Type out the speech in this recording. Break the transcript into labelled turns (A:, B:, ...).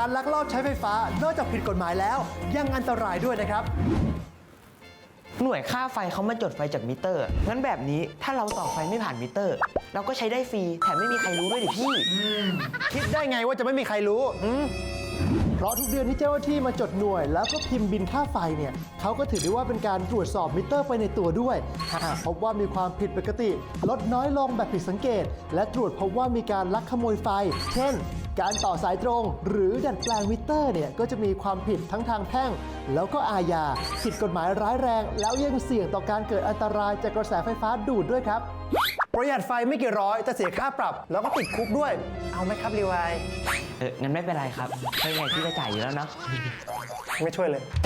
A: การลักลอบใช้ไฟฟ้านอกจากผิดกฎหมายแล้วยังอันตรายด้วยนะครับ
B: หน่วยค่าไฟเขามาจดไฟจากมิเตอร์งั้นแบบนี้ถ้าเราต่อไฟไม่ผ่านมิเตอร์ เราก็ใช้ได้ฟรีแถมไม่มีใครรู้ด้วยดิพี่
A: คิดได้ไงว่าจะไม่มีใครรู้เพราะทุกเดือนที่เจ้าหน้าที่มาจดหน่วยแล้วก็พิมพ์บินค่าไฟเนี่ยเขาก็ถือได้ว่าเป็นการตรวจสอบมิเตอร์ไปในตัวด้วยหากพบว่ามีความผิดปกติลดน้อยลงแบบผิดสังเกตและตรวจพบว่ามีการลักขโมยไฟเช่นการต่อสายตรงหรือดัดแปลงมิเตอร์เนี่ยก็จะมีความผิดทั้งทางแพ่งแล้วก็อาญาผิดกฎหมายร้ายแรงแล้วยังเสี่ยงต่อการเกิดอันตรายจากกระแสไฟฟ้าดูดด้วยครับประหยัดไฟไม่กี่ร้อยแต่เสียค่าปรับแล้วก็ติดคุกด้วยเอาไหมครับรีวาย
B: งั้นไม่เป็นไรครับไม่ไงพี่จะจ่ายอยู่แล้วเนาะ
A: ไม่ช่วยเลย